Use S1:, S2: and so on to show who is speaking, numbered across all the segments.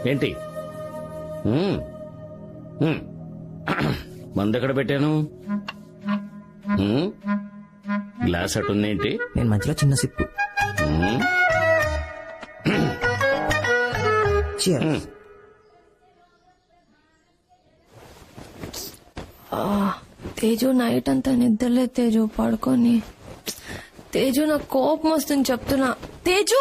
S1: ఏంటి మందెక్కడ పెట్టాను? గ్లాస్ అటుందేంటి?
S2: నేను మధ్యలో చిన్న సిప్పు.
S3: తేజు నైట్ అంతా నిద్రలే తేజు, పడుకొని. తేజు నాకు కోపం వస్తుంది చెప్తున్నా. తేజు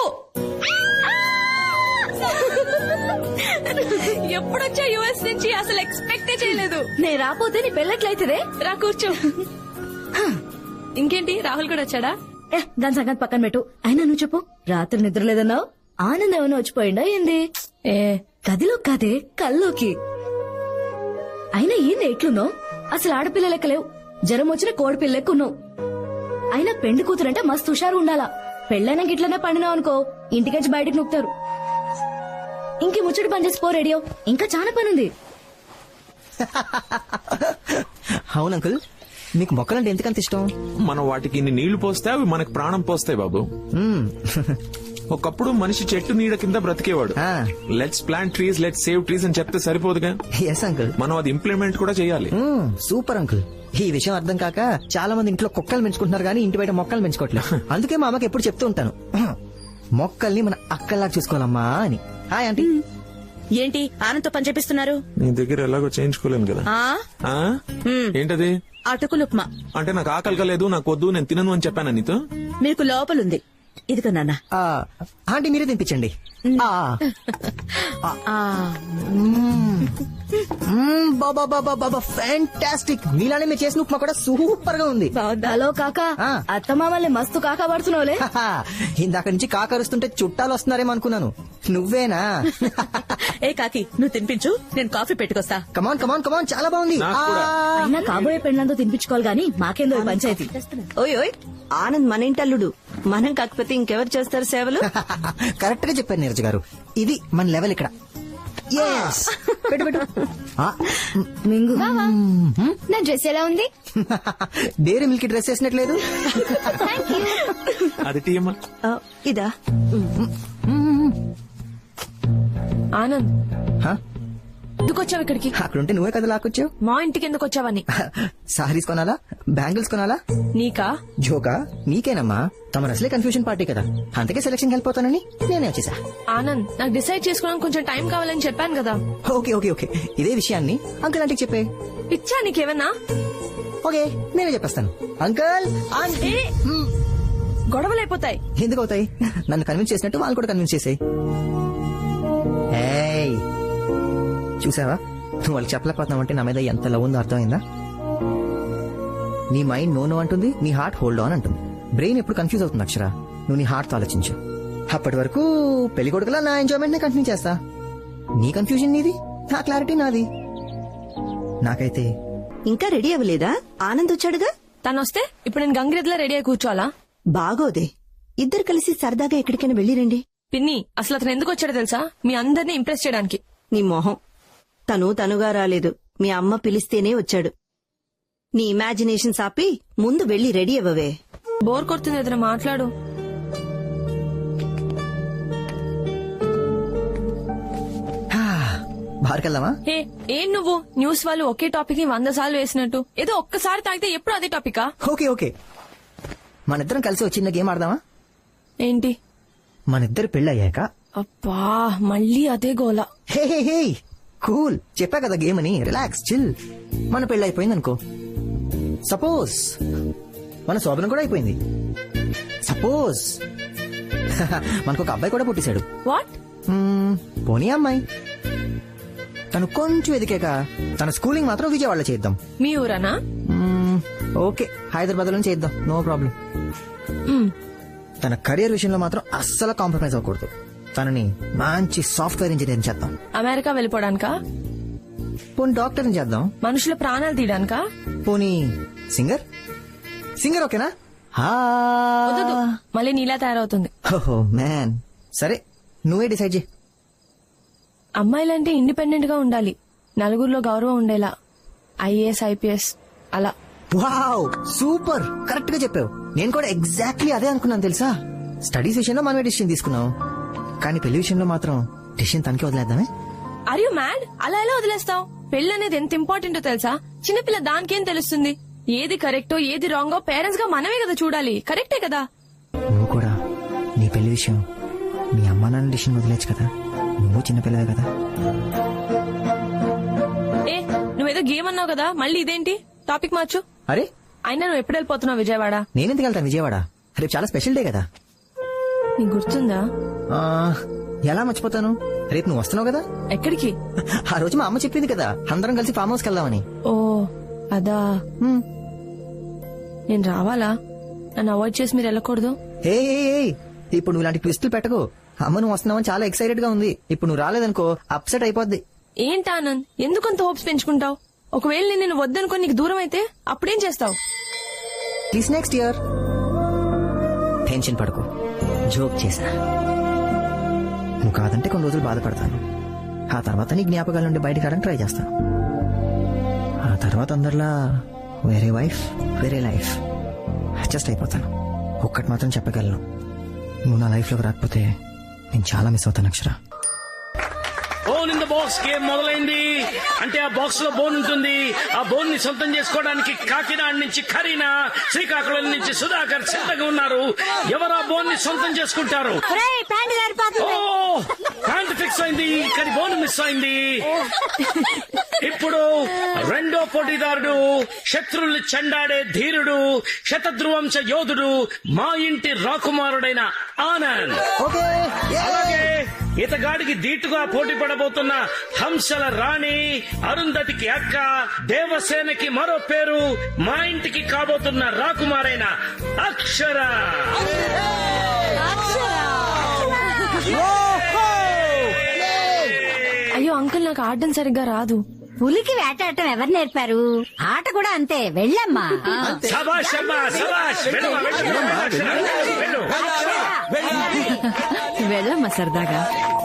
S3: ఎప్పుడొచ్చా యుఎస్ నుంచి? అసలు ఎక్స్పెక్టే చేయలేదు. నేను రాపోతే నీ పెళ్ళట్లయితే రా కూర్చో. ఇంకేంటి, రాహుల్ కూడా వచ్చాడా?
S4: దాని సంగతి పక్కన పెట్టు. అయినా నువ్వు చెప్పు, రాత్రి నిద్ర లేదన్నావు, ఆనందం ఏమైనా వచ్చిపోయిందా ఏంది? గదిలో కాదే, కల్లోకి. అయినా ఏంది ఎట్లున్నావు? అసలు ఆడపిల్ల లెక్కలేవు, జ్వరం వచ్చిన కోడి పిల్ల లెక్కున్నావు. అయినా పెండి కూతురంటే మస్తు హుషారు ఉండాలా. పెళ్ళైనా గిట్లనే పండినావు అనుకో, ఇంటికెచ్చి బయటకు నొక్కుతారు. ఇంకే ముచ్చటి పని చేసి పో రేడియో, ఇంకా చాలా పనుంది.
S2: అవును అంకుల్, మీకు మొక్కలంటే ఎందుకంత ఇష్టం?
S5: మనం వాటికి ఇన్ని నీళ్లు పోస్తే అవి మనకు ప్రాణం పోస్తాయి బాబు. ఒకప్పుడు మనిషి చెట్టు నీడ కింద బ్రతికేవాడు. Let's plant trees, let's save trees అని చెప్తే సరిపోదుగా.
S2: ఎస్ అంకుల్,
S5: మనం అది ఇంప్లిమెంట్ కూడా చేయాలి.
S2: Super uncle. ఈ విషయం అర్థం కాక చాలా మంది ఇంట్లో కుక్కలు పెంచుకుంటున్నారు కానీ ఇంటి బయట మొక్కలు పెంచుకోవట్లేదు. అందుకే మా అమ్మకి ఎప్పుడు చెప్తూ ఉంటాను, మొక్కల్ని మన అక్కల్లా చూసుకోవాలమ్మా అని. Hi aunty.
S6: ఏంటి ఆనంద్ పని చేపిస్తున్నారు?
S5: నీ దగ్గర ఎలాగో చేయించుకోలేను కదా. ఏంటది?
S6: అటుకులు ఉప్మా.
S5: అంటే నాకు ఆకలి కలేదు, నాకు వద్దు, నేను తినను అని చెప్పాను నీతో.
S6: మీకు లోపలుంది, ఇదిగో నాన్న.
S2: ఆంటీ మీరే తినిపించండి. ఫ్యాంటాస్టిక్. మీలానే మీరు చేసిన ఉప్మా కూడా సూపర్ గా ఉంది.
S4: హలో కాకా, అత్తమామల్ని మస్తు కాకా పడుతున్నావులే.
S2: ఇందాక నుంచి కాకరుస్తుంటే చుట్టాలు వస్తున్నారేమో అనుకున్నాను. నువ్వేనా?
S6: ఏ కాకి, నువ్వు తినిపించు, నేను కాఫీ పెట్టుకొస్తా.
S2: కమాన్ కమాన్ కమాన్, చాలా బాగుంది.
S4: అయినా కాబోయే పెళ్ళంతో తినిపించుకోవాలి గానీ మాకేందో ఈ పంచాయతీ.
S6: ఓయ్ ఓయ్, ఆనంద్ మన ఇంటల్లుడు, మనం కాకపోతే ఇంకెవరు చేస్తారు సేవలు?
S2: కరెక్ట్ గా చెప్పారు నీరజ్ గారు, ఇది మన లెవెల్ ఇక్కడ.
S4: మింగు, నా డ్రెస్ ఎలా ఉంది?
S2: డైరీ మిల్క్ డ్రెస్ వేసినట్లేదు.
S5: అది టీయమ్మా.
S6: ఇదా?
S3: ఆనంద్, ఎందుకు వచ్చావు ఇక్కడికి?
S2: అక్కడుంటే నువ్వే కదా లాక్కొచ్చావు.
S3: మా ఇంటికి ఎందుకు వచ్చావని?
S2: సారీస్ కొనాలా, బ్యాంగిల్స్ కొనాలా?
S3: నీకా?
S2: జోకా? నీకేనమ్మా. తమ అసలే కన్ఫ్యూజన్ పార్టీ కదా, అందుకే సెలక్షన్ వెళ్ళిపోతానని నేనే వచ్చేసా.
S3: ఆనంద్, నాకు డిసైడ్ చేసుకోవడానికి కొంచెం టైం కావాలని చెప్పాను కదా.
S2: ఓకే ఓకే ఓకే, ఇదే విషయాన్ని అంకుల్ ఆంటీకి చెప్పే.
S3: పిచ్చా నీకేమన్నా?
S2: ఓకే, నేనే చెప్పేస్తాను. Uncle aunty.
S3: గొడవలు అయిపోతాయి.
S2: ఎందుకు అవుతాయి? నన్ను కన్విన్స్ చేసినట్టు వాళ్ళు కూడా కన్విన్స్ చేసాయి. చూసావా, నువ్వు వాళ్ళకి చెప్పలేకపోతున్నావు అంటే నా మీద ఎంత లవ్ ఉందో అర్థమైందా? నీ మైండ్ నో అంటుంది, నీ హార్ట్ హోల్డ్ ఆన్ అంటుంది. బ్రెయిన్ ఎప్పుడు కన్ఫ్యూజ్ అవుతుంది అక్షర. నువ్వు నీ హార్ట్ తో ఆలోచించు. అప్పటి వరకు పెళ్లి కొడుకులా నా ఎంజాయ్మెంట్ నే కంటిన్యూ చేస్తా. నీ కన్ఫ్యూజన్ నీది, నా క్లారిటీ నాది. నాకైతే
S6: ఇంకా రెడీ అవ్వలేదా? ఆనంద్ వచ్చాడుగా.
S3: తను వస్తే ఇప్పుడు నేను గంగిరెద్దులా రెడీ అయి కూర్చోవాలా?
S6: బాగోదే, ఇద్దరు కలిసి సరదాగా ఎక్కడికైనా వెళ్ళిరండి.
S3: పిన్ని, అసలు అతను ఎందుకు వచ్చాడో తెలుసా? మీ అందరినీ ఇంప్రెస్ చేయడానికి.
S6: నీ మొహం, తనుగా రాలేదు, మీ అమ్మ పిలిస్తేనే వచ్చాడు. నీ ఇమాజినేషన్ ఆపి ముందు వెళ్లి రెడీ అవ్వవే.
S3: బోర్ కొడుతుంది, ఏదైనా మాట్లాడు.
S2: బార్కెళ్దామా?
S3: ఏం నువ్వు న్యూస్ వాళ్ళు ఒకే టాపిక్ ని 100 సార్లు వేసినట్టు, ఏదో ఒక్కసారి తాగితే ఎప్పుడు అదే టాపికా?
S2: ఓకే ఓకే, మనిద్దరం కలిసి ఒక చిన్న గేమ్ ఆడదామా?
S3: ఏంటి?
S2: మనిద్దరు పెళ్ళయ్యాక.
S3: అబ్బా, మళ్ళీ అదే గోల.
S2: హే హే హే, కూల్, చెప్పా కదా గేమ్ అని. Relax, chill. మన పెళ్లి అయిపోయింది అనుకో, సపోజ్ మన శోభనం కూడా అయిపోయింది, సపోజ్ మనకు ఒక అబ్బాయి కూడా పుట్టేశాడు.
S3: వాట్?
S2: పోనీ అమ్మాయి, తను కొంచెం ఎదికాక తన స్కూలింగ్ మాత్రం విజయవాడలో చేద్దాం.
S3: మీ ఊరనా?
S2: ఓకే, హైదరాబాద్ లో చేద్దాం, నో ప్రాబ్లం. తన కెరీర్ విషయంలో మాత్రం అస్సలు కాంప్రమైజ్ అవ్వకూడదు. తనని మంచి సాఫ్ట్వేర్ ఇంజనీర్ చేద్దాం.
S3: అమెరికా వెళ్ళిపోవడానికా?
S2: పోనీ డాక్టర్ చేద్దాం.
S3: మనుషుల ప్రాణాలు తీయడానికా?
S2: పోనీ సింగర్. సింగర్ ఓకేనా?
S3: మళ్ళీ నీలా తయారవుతుంది.
S2: ఓహో మ్యాన్, సరే నువ్వే డిసైడ్ చేయి.
S3: అమ్మాయిలంటే ఇండిపెండెంట్ గా ఉండాలి, నలుగురిలో గౌరవం ఉండేలా. ఐఏఎస్, ఐపీఎస్ అలా.
S2: వావ్, సూపర్, కరెక్ట్ గా చెప్పావు. నేను కూడా ఎగ్జాక్ట్లీ అదే అనుకున్నాను తెలుసా. స్టడీస్ విషయంలో మనమే డిసిషన్ తీసుకున్నాం, కానీ పెళ్లి విషయంలో మాత్రం డిసిషన్ తనకే వదిలేద్దామే.
S3: Are you mad? అలా ఎలా వదిలేస్తావు? పెళ్లి అనేది ఎంత ఇంపార్టెంటో తెలుసా? చిన్నపిల్ల దానికేం తెలుస్తుంది? ఏది కరెక్టో ఏది రాంగో పేరెంట్స్ గా మనమే కదా చూడాలి. కరెక్టే కదా?
S2: నువ్వు కూడా నీ పెళ్లి విషయం మీ అమ్మా నాన్న డిసిషన్ వదిలేచ్చు కదా. నువ్వు చిన్నపిల్లవే కదా.
S3: ఏ నువ్వేదో గేమ్ అన్నావు కదా, మళ్ళీ ఇదేంటి? టాపిక్ మార్చు.
S2: అరే
S3: అయినా నువ్వు ఎప్పుడు వెళ్ళిపోతున్నావు విజయవాడ?
S2: నేనెందుకు వెళ్తాను విజయవాడ? రేపు చాలా స్పెషల్ డే కదా.
S3: నీకు గుర్తుందా?
S2: ఆ, ఎలా మర్చిపోతాను? రేపు నువ్వు వస్తున్నావు కదా.
S3: ఎక్కడికి?
S2: ఆ రోజు మా అమ్మ చెప్పింది కదా అందరం కలిసి ఫామ్ హౌస్కి వెళ్దామని.
S3: ఓ అదా.
S2: హ్మ్.
S3: నేను రావాలా? నన్ను అవాయిడ్ చేసి మీరు వెళ్ళకూడదు.
S2: ఏ ఏ, ఏ, ఇప్పుడు నువ్వు ఇలాంటి ట్విస్టులు పెట్టకు. అమ్మ నువ్వు వస్తున్నావని చాలా ఎక్సైటెడ్ గా ఉంది. ఇప్పుడు నువ్వు రాలేదనుకో అప్సెట్ అయిపోద్ది.
S3: ఏంటి ఆనంద్, ఎందుకంత హోప్స్ పెంచుకుంటావు? ఒకవేళ నేను నిన్ను వద్దనుకో నీకు దూరం అయితే అప్పుడేం చేస్తావు?
S2: Please next year. టెన్షన్ పడకు, జోక్ చేసా. నువ్వు కాదంటే కొన్ని రోజులు బాధపడతాను. ఆ తర్వాత నీ జ్ఞాపకాల నుండి బయటకు రావడానికి ట్రై చేస్తాను. ఆ తర్వాత అందరిలా వేరే వైఫ్ వేరే లైఫ్ అడ్జస్ట్ అయిపోతాను. ఒక్కటి మాత్రం చెప్పగలను, నువ్వు నా లైఫ్ లోకి రాకపోతే నేను చాలా మిస్ అవుతాను Akshara.
S1: Bone in the box game మొదలైంది. అంటే ఆ బాక్స్ లో బోన్ ఉంటుంది. ఆ బోన్ ని సొంతం చేసుకోవడానికి కాకినాడ నుంచి కరీనా, శ్రీకాకుళం నుంచి సుధాకర్ సిద్ధంగా ఉన్నారు. ఎవరు ఆ బోన్ ని సొంతం చేసుకుంటారు? ఓ ప్యాంట్ ఫిక్స్ అయింది, కానీ బోన్ మిస్ అయింది. ఇప్పుడు రెండో పోటీదారుడు శత్రుల్ని చెండాడే ధీరుడు, శతధ్రువంశ యోధుడు, మా ఇంటి రాకుమారుడైన ఆనంద్. అలాగే ఇతగాడికి ధీటుగా పోటీ పడబోతున్న హంసల రాణి, అరుంధతికి అక్క, దేవసేనకి మరో పేరు, మా ఇంటికి కాబోతున్న రాకుమారైన అక్షర.
S3: అయ్యో అంకుల్, నాకు ఆడడం సరిగ్గా రాదు.
S7: పులికి వేటాడటం ఎవరు నేర్పారు? ఆట కూడా అంతే, వెళ్ళమ్మా.
S1: సబాష్ అమ్మా, సబాష్. వెళ్ళమ్మా, వెళ్ళమ్మా, వెళ్ళు.
S7: వెళ్ళమ్మా సరదాగా.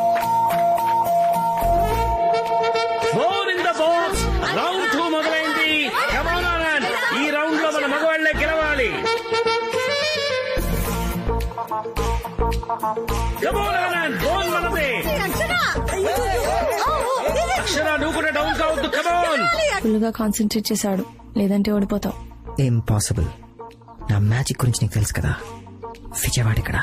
S1: Bone in the box round 2 మొదలైంది. Come on, Anand. ఈ రౌండ్ లో మన మగవాళ్లే గెలవాలి. Come on, Anand. బోన్ మనదే. అక్షర నువ్వు కూడా డౌన్ కావద్దు. Come on.
S3: ఫుల్ గా కాన్సన్ట్రేట్ చేశాడు, లేదంటే ఓడిపోతావు.
S2: ఇంపాసిబుల్. నా మ్యాజిక్ గురించి నీకు తెలుసు కదా. విజయవాడ ఇక్కడ.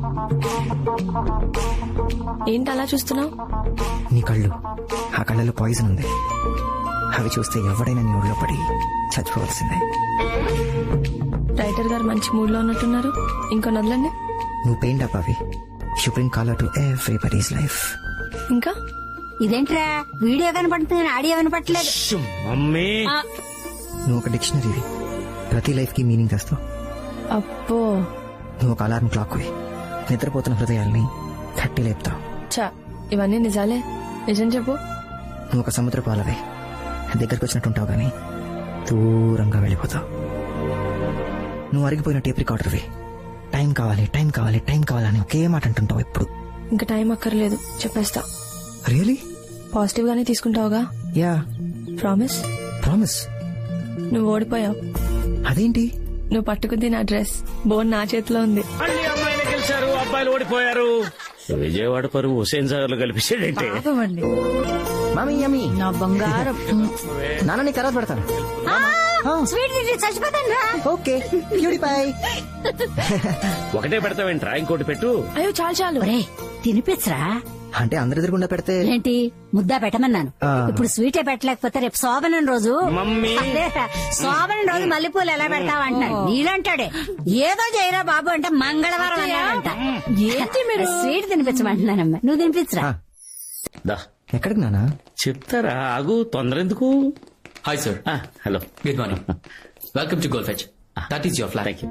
S3: ఏంటి అలా చూస్తున్నావు?
S2: నీ కళ్ళు, ఆ కళ్ళలో పాయిజన్ ఉంది. అవి చూస్తే ఎవడైనా నీ ఊళ్ళో పడి చచ్చిపోవాల్సిందే.
S3: రైటర్ గారు మంచి మూడ్ లో ఉన్నట్టున్నారు. ఇంకో నదులండి.
S2: నువ్వు పెయింట్ అప్ అవి. You bring colour to everybody's life.
S3: ఇంకా
S7: ఇదేంట్రా వీడియో కనపడుతుంది, ఆడియో వినపట్లేదు.
S1: మమ్మీ
S2: నువ్వు ఒక డిక్షనరీవి. ప్రతి లైఫ్ కి మీనింగ్ తెస్తావు.
S3: అప్పో
S2: నువ్వు ఒక అలారం క్లాక్ వి. నిద్రపోతున్న హృదయాల్ని తట్టి లేపుతావు.
S3: చా, ఇవన్నీ నిజాలే. నిజం చెప్పు.
S2: నువ్వు ఒక సముద్ర పాలవే. దగ్గరకు వచ్చినట్టు ఉంటావు గానీ దూరంగా వెళ్ళిపోతావు. నువ్వు అరిగిపోయిన టేప్ రికార్డర్వి. టైం కావాలి, టైం కావాలి, టైం కావాలని ఒకే మాట అంటుంటావు ఎప్పుడు.
S3: ఇంకా టైం అక్కర్లేదు, చెప్పేస్తా.
S2: రియలీ?
S3: పాజిటివ్ గానే తీసుకుంటావుగా?
S2: యా.
S3: ప్రామిస్?
S2: ప్రామిస్.
S3: నువ్వు ఓడిపోయావు.
S2: అదేంటి?
S3: నువ్వు పట్టుకుంది నా డ్రెస్, బోన్ నా చేతిలో ఉంది.
S1: మళ్ళీ అమ్మాయిలు గెలిచారు, అబ్బాయిలు ఓడిపోయారు. విజయవాడ పరువు హుసేన్ సాగర్ లో కలిపించాడంటే.
S2: Mummy yummy.
S7: నా బంగారం.
S2: నాన్న నీకు తర్వాత పెడతాను.
S7: స్వీట్ తింటే చచ్చిపోతాను రా.
S2: Okay beautify.
S1: ఒకటే పెడతావేంట్రా, ఇంకోటి పెట్టు.
S3: అయ్యో చాలు చాలు.
S7: ఒరేయ్ తినిపించరా.
S2: అంటే అందరి ఎదురుగుండా పెడితే
S7: ఏంటి ముద్దా పెట్టమన్నాను. ఇప్పుడు స్వీటే పెట్టలేకపోతే రేపు శోభనం రోజు.
S1: మమ్మీ
S7: అదేరా, శోభనం రోజు మల్లెపూలు ఎలా పెడతావు అంటున్నాడు. నీలంటాడే ఏదో చేయరా బాబు అంటే మంగళవారం అన్నాడంట. ఏంటి మీరు స్వీట్ తినిపించమంటున్నానమ్మా, నువ్వు తినిపించరా.
S1: దా
S2: ఎక్కడికి నానా?
S1: చెప్తారా, ఆగు, తొందర ఎందుకు.
S8: Hi, sir.
S1: Hello.
S8: Good morning. Welcome to Goldfetch. That is your flat.
S1: Thank you.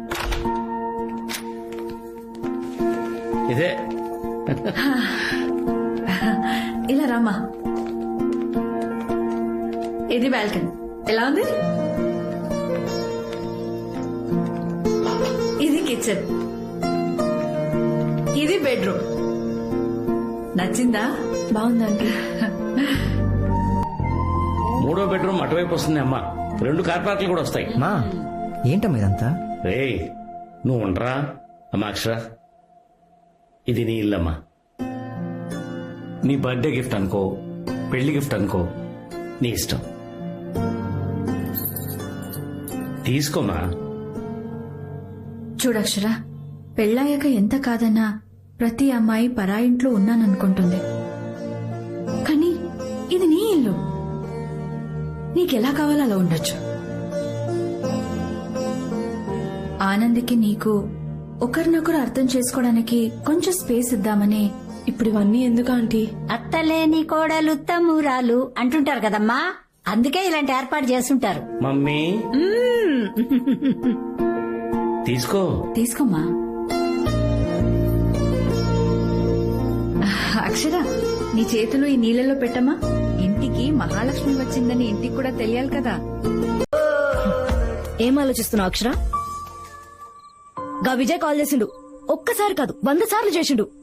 S1: ఇదే
S9: ఇలా రామా. ఇది బాల్కనీ. ఎలా ఉంది? ఇది కిచెన్. ఇది బెడ్రూమ్. నచ్చిందా?
S3: బాగుందండి.
S1: మూడో బెడ్రూమ్ అటువైపు వస్తుంది అమ్మా. 2 కార్ పార్కులు కూడా వస్తాయి.
S2: మా ఏంటమ్మా ఇదంతా?
S1: రేయ్ నువ్వు ఉండరా అమ్మా. అక్షర, ఇది నీ ఇల్లమ్మా. నీ బర్త్డే గిఫ్ట్ అనుకో. పెళ్లి గిఫ్ట్ అనుకో, నీ ఇష్టం. తీసుకోమా.
S9: చూడక్షర, పెళ్ళాయాక ఎంత కాదన్నా ప్రతి అమ్మాయి పరాయింట్లో ఉన్నాననుకుంటుంది. కానీ ఇది నీ ఇల్లు, నీకెలా కావాలో అలా ఉండొచ్చు. ఆనంద్కి నీకు ఒకరినొకరు అర్థం చేసుకోవడానికి కొంచెం స్పేస్ ఇద్దామని.
S3: ఇప్పుడు ఇవన్నీ ఎందుకు ఆంటీ?
S7: అత్తలేని కోడలు తమ్మురాలు అంటుంటారు కదమ్మా, అందుకే ఇలాంటి ఏర్పాటు చేస్తుంటారు.
S1: మమ్మీ తీసుకో.
S9: తీసుకోమ్మా. అక్షర, నీ చేతులు ఈ నీళ్ళలో పెట్టమ్మా. ఇంటికి మహాలక్ష్మి వచ్చిందని ఇంటికి కూడా తెలియాలి కదా.
S4: ఏం ఆలోచిస్తున్నావు అక్షర? గా విజయ్ కాల్ చేసిండు. ఒక్కసారి కాదు 100 సార్లు చేసిండు.